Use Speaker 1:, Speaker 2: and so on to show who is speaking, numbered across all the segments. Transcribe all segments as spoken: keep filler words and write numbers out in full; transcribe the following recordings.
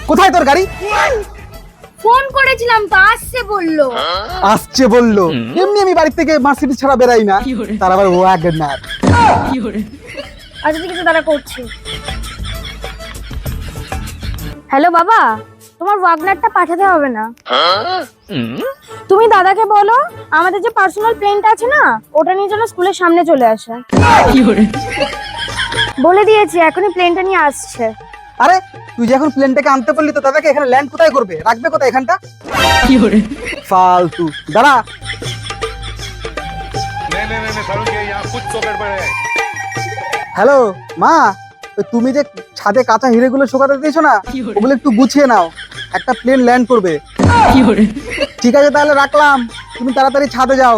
Speaker 1: কোথায় তোর গাড়ি?
Speaker 2: ফোন করেছিলাম তো, আসছে বললো।
Speaker 1: আসছে বললো? এমনি আমি বাড়ি থেকে মার্সিডিজ ছাড়া বেরাই না, তার আবার ওয়াগনার।
Speaker 2: আচ্ছা ঠিক আছে, দাঁড়া করছি। হ্যালো বাবা, তোমার ওয়াগনারটা পাঠাতে হবে না। তুমি দাদাকে বলো আমাদের যে পার্সোনাল প্লেনটা আছে না, ওটা নিয়ে যেন স্কুলের সামনে চলে আসে। বলে দিয়েছি, এখনই প্লেনটা নিয়ে আসছে।
Speaker 1: আরে তুই যে এখন প্লেনটাকে আনতে পারলি, তো দাদাকে এখানে ল্যান্ড কোথায় করবে, রাখবে কোথায় এখানটা? ফালতু। দাঁড়া। হ্যালো মা, ওই তুমি যে ছাদে কাঁচা হিরেগুলো শুকাতে দিয়েছো না, ওগুলো একটু গুছিয়ে নাও, একটা প্লেন ল্যান্ড করবে। ঠিক আছে তাহলে রাখলাম, তুমি তাড়াতাড়ি ছাদে যাও।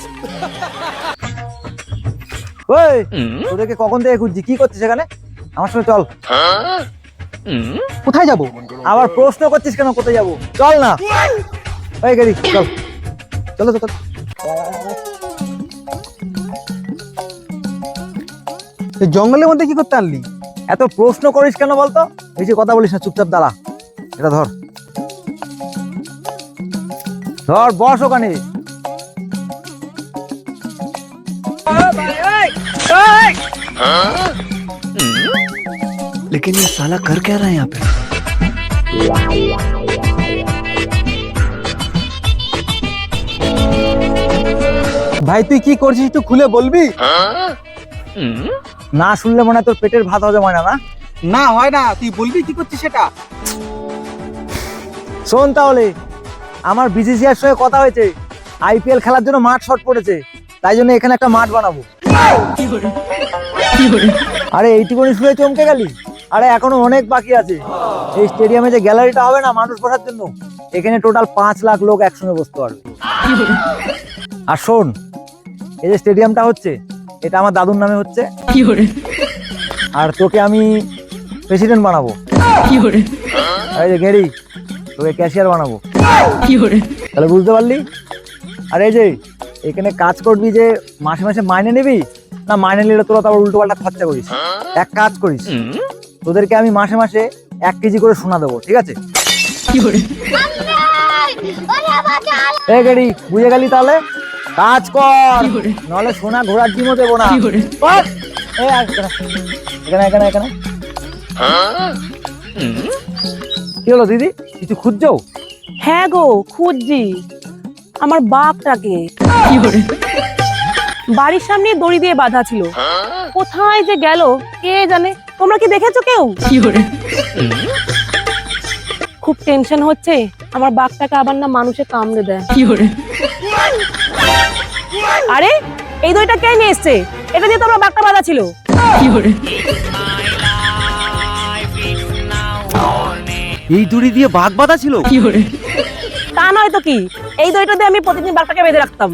Speaker 1: ওই তোদেরকে কখন থেকে খুঁজছি, কি করছিস এখানে? আমার সঙ্গে চল। কোথায় যাব? আবার প্রশ্ন করছিস কেন? কোথায় যাব? চল না। ওই গাড়ি চল, চলো চল। জঙ্গলের মধ্যে কি করতে আনলি? এত প্রশ্ন করিস কেন বলতো? এই যে কথা বলিস না, চুপচাপ দাঁড়া। এটা ধর ধর, বস ওখানে।
Speaker 3: लेकिन ये साला कर क्या रहा है यहाँ पे?
Speaker 1: ভাই তুই কি করছিস একটু খুলে বলবি? না শুনলে মনে হয় তোর পেটের ভাত হজম হয় না। না না হয় না, তুই বলবি কি করছিস সেটা। শোন তাহলে, আমার বিসিসিআইর সঙ্গে কথা হয়েছে, আইপিএল খেলার জন্য মাঠ শর্ট পড়েছে, তাই জন্য এখানে একটা মাঠ বানাবো। আরে এইটুকুনি শুনে চমকে গেলি? আরে এখনো অনেক বাকি আছে। এই স্টেডিয়ামে যে গ্যালারিটা হবে না মানুষ বসার জন্য, এখানে টোটাল পাঁচ লাখ লোক একসঙ্গে বসতে পারবে। আর শোন, এই যে স্টেডিয়ামটা হচ্ছে, এটা আমার দাদুর নামে হচ্ছে। আর তোকে আমি প্রেসিডেন্ট বানাবো। এই যে গেরি, তোকে ক্যাশিয়ার বানাবো। তাহলে বুঝতে পারলি? আর এই যে এখানে কাজ করবি, যে মাসে মাসে মাইনে নিবি না, মাইনে নিলে তোরা তো আবার উল্টো পাল্টা খরচা করিস। এক কাজ করিস, তোদেরকে আমি মাসে মাসে এক কেজি করে সোনা দেবো, ঠিক আছে? এই গেরি, বুঝে গেলি? তাহলে কাজ কর, নাহলে সোনা ঘোড়ার ডিমও দেবো না। এখানে এখানে এখানে কি হলো দিদি, কিছু খুঁজছো?
Speaker 4: হ্যাঁ গো, খুঁজছি আমার বাঘটাকে। বাড়ির সামনে দড়ি দিয়ে বাঁধা ছিল, কোথায় যে গেল কে জানে। তোমরা কি দেখেছো কেউ? খুব টেনশন হচ্ছে, আমার বাঘটাকে আবার না মানুষে কামড়ে দেয়। আরে এই দড়িটা কে নিয়ে এসছে? এটা দিয়ে তোমরা বাঘটা বাঁধা ছিল।
Speaker 3: এই দড়ি দিয়ে বাঘ বাঁধা ছিল?
Speaker 4: তা নয় তো কি, এই দড়িটা দিয়ে আমি প্রতিদিন বাঘটাকে বেঁধে রাখতাম।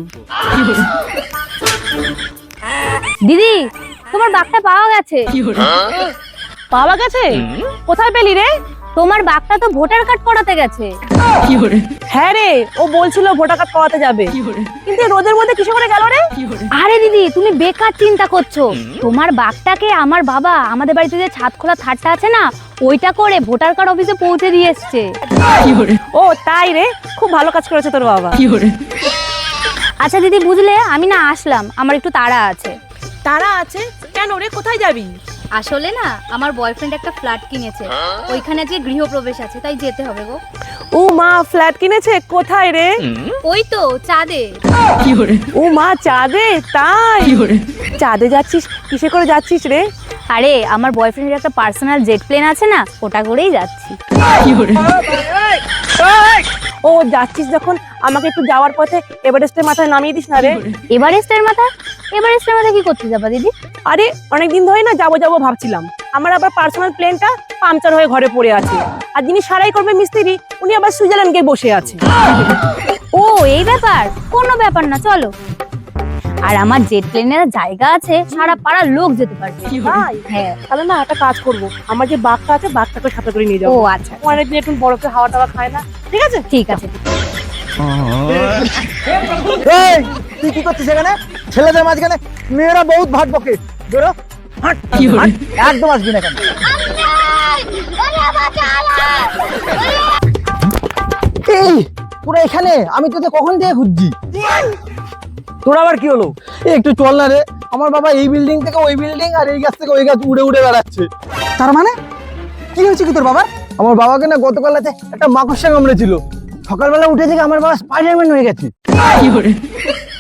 Speaker 2: দিদি, তোমার বাঘটা পাওয়া গেছে।
Speaker 4: পাওয়া গেছে? কোথায় পেলি রে?
Speaker 2: তোমার বাঘটা তো ভোটার কার্ড করাতে গেছে।
Speaker 4: হ্যাঁ রে, ও বলছিল ভোটার কার্ড করাতে যাবে, কিন্তু রোদের মধ্যে কিসে করে গেল রে?
Speaker 2: আরে দিদি, তুমি বেকার চিন্তা করছো। তোমার বাঘটাকে আমার বাবা আমাদের বাড়িতে যে ছাদ খোলা থাটটা আছে না, ওইটা করে ভোটার কার্ড অফিসে পৌঁছে দিয়ে এসছে।
Speaker 4: ও তাই রে, খুব ভালো কাজ করেছে তোর বাবা।
Speaker 2: আচ্ছা দিদি, বুঝলে আমি না আসলাম, আমার একটু তাড়া আছে।
Speaker 4: তারা আছে কেন রে? কোথায় যাবি?
Speaker 2: আসলে না, আমার বয়ফ্রেন্ড একটা ফ্ল্যাট কিনেছে, ওইখানে আজকে গৃহপ্রবেশ আছে, তাই যেতে হবে গো।
Speaker 4: ও মা, ফ্ল্যাট কিনেছে? কোথায় রে?
Speaker 2: ওই তো চাঁদে।
Speaker 4: ও মা, চাঁদে? তাই চাঁদে যাচ্ছিস? কিসে করে যাচ্ছিস রে?
Speaker 2: আরে আমার বয়ফ্রেন্ডের একটা পার্সোনাল জেট প্লেন আছে না, ওটা করেই যাচ্ছি।
Speaker 4: ও যাচ্ছিস যখন আমাকে একটু যাওয়ার পথে এভারেস্টের মাথায় নামিয়ে দিস না রে।
Speaker 2: এভারেস্টের মাথা? এভারেস্টের মাথা কি করতে যাবা দিদি?
Speaker 4: আরে অনেকদিন ধরে না যাবো যাবো ভাবছিলাম, আমার আবার পার্সোনাল প্লেনটা পাংচার হয়ে ঘরে পড়ে আছে, আর যিনি সারাই করবে মিস্ত্রি, উনি আবার সুইজারল্যান্ড গিয়ে বসে আছে।
Speaker 2: ও এই ব্যাপার, কোনো ব্যাপার না, চলো। আর আমার জেট প্লেনের জায়গা আছে, সারা পাড়ার লোক যেতে পারবে।
Speaker 4: তাই?
Speaker 2: হ্যাঁ।
Speaker 4: তাহলে না একটা কাজ করবো, আমার যে বাঘটা আছে বাঘটাকে সাথে করে নিয়ে যাবো।
Speaker 2: ও আচ্ছা,
Speaker 4: ও অনেকদিন একটু বরফে হাওয়া টাওয়া খায় না। ঠিক আছে
Speaker 2: ঠিক আছে।
Speaker 1: এই তুই কি করছিস এখানে? ছেলেদের মাঝখানে মেয়েরা বহুত ভাট বকে। বেরো, হাট, হাট, একদম আসবি না এখানে।
Speaker 5: এই তোরা এখানে, আমি তোকে কখন থেকে খুঁজছি।
Speaker 1: তোর আবার কি হলো?
Speaker 5: এই একটু চল না রে, আমার বাবা এই বিল্ডিং থেকে ওই বিল্ডিং আর এই গাছ থেকে ওই গাছ উড়ে উড়ে বেড়াচ্ছে।
Speaker 3: তার মানে কি হয়েছে কি তোর বাবার?
Speaker 5: আমার বাবাকে না গতকাল রাতে একটা মাকড়সা কামড়েছিল, সকালবেলা উঠে থেকে আমার বাবা স্পাইডারম্যান হয়ে গেছে।